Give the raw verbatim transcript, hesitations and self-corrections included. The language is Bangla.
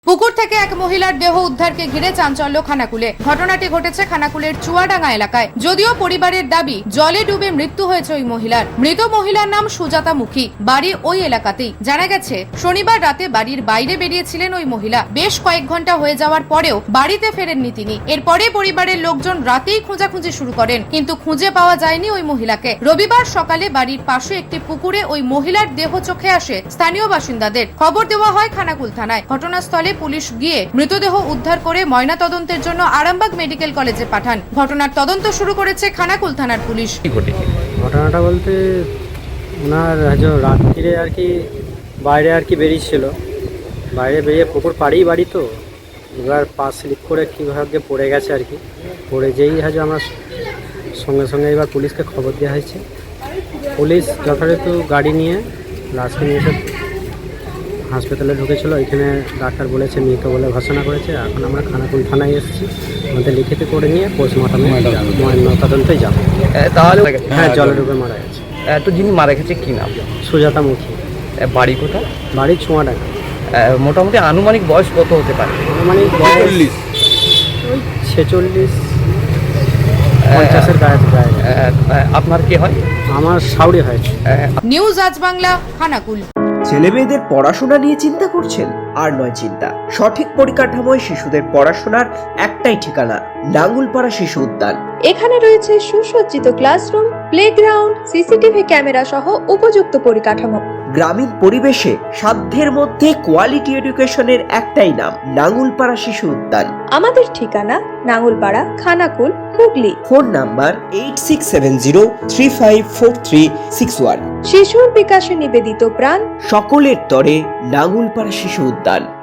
পুকুর থেকে এক মহিলার দেহ উদ্ধারকে ঘিরে চাঞ্চল্য খানাকুলে। ঘটনাটি ঘটেছে খানাকুলের চুয়াডাঙ্গা এলাকায়। যদিও পরিবারের দাবি জলে ডুবে মৃত্যু হয়েছে ওই মহিলার। মৃত মহিলার নাম সুজাতা মুখী, বাড়ি ওই এলাকাতেই। জানা গেছে শনিবার রাতে বাড়ির বাইরে বেরিয়েছিলেন ওই মহিলা। বেশ কয়েক ঘন্টা হয়ে যাওয়ার পরেও বাড়িতে ফেরেননি তিনি। এরপরে পরিবারের লোকজন রাতেই খোঁজাখুঁজি শুরু করেন, কিন্তু খুঁজে পাওয়া যায়নি ওই মহিলাকে। রবিবার সকালে বাড়ির পাশে একটি পুকুরে ওই মহিলার দেহ চোখে আসে স্থানীয় বাসিন্দাদের। খবর দেওয়া হয় খানাকুল থানায়। ঘটনাস্থলে পুলিশ গিয়ে মৃতদেহ উদ্ধার করে ময়নাতদন্তের জন্য আরামবাগ মেডিকেল কলেজে পাঠান। ঘটনার তদন্ত শুরু করেছে খানাকুল থানার পুলিশ। ঘটনাটা বলতে ওনার রাত্রিরে আর কি বাইরে আর কি বেরিয়েছিল, বাইরে বেরিয়ে পুকুর পাড়েই বাড়ি, তো এবার পা স্লিপ করে কীভাবে পড়ে গেছে আর কি। পড়ে যেই হাজো আমরা সঙ্গে সঙ্গে এবার পুলিশকে খবর দেওয়া হয়েছে। পুলিশ যথাযথ গাড়ি নিয়ে লাশকে নিয়ে এসে হাসপাতালে ঢুকেছিল। এখানে ডাক্তার বলেছে মৃত বলে ঘোষণা করেছে। এখন আমরা খানাকুল থানায় এসেছি, আমাদের লিখিত করে নিয়ে পোস্টমর্টমে ময়নাতদন্তে যাবো। তাহলে হ্যাঁ, জলে ডুবে মারা গেছে। এত যিনি মারা গেছে কি নাম? সুজাতা মুখী। বাড়ি কোথায়? বাড়ি চুয়াডাঙ্গা। মোটামুটি আনুমানিক বয়স কত হতে পারে? আনুমানিক চল্লিশ, ওই ছেচল্লিশ পঞ্চাশের গায়ে। আপনার কি হয়? আমার শাউরি হয়েছে। নিউজ আজ বাংলা, খানাকুল। ছেলে মেয়েদের পড়াশোনা নিয়ে চিন্তা করছেন? আর নয় চিন্তা। সঠিক পরিকাঠামোয় শিশুদের পড়াশোনার একটাই ঠিকানা, নাঙ্গুলপাড়া শিশু উদ্যান। এখানে রয়েছে সুসজ্জিত ক্লাসরুম, প্লেগ্রাউন্ড, সিসিটিভি ক্যামেরা সহ উপযুক্ত পরিকাঠামো। গ্রামীণ পরিবেশে সাধ্যের মধ্যে কোয়ালিটি এডুকেশনের একটাই নাম, নাঙ্গুলপাড়া শিশু উদ্যান। আমাদের ঠিকানা Nangulpara, Khanakul, Hooghly. Phone number eight six seven zero three five four three six one. শিশুর বিকাশে নিবেদিত প্রাণ, সকলের তরে নাঙ্গুলপাড়া শিশু উদ্যান।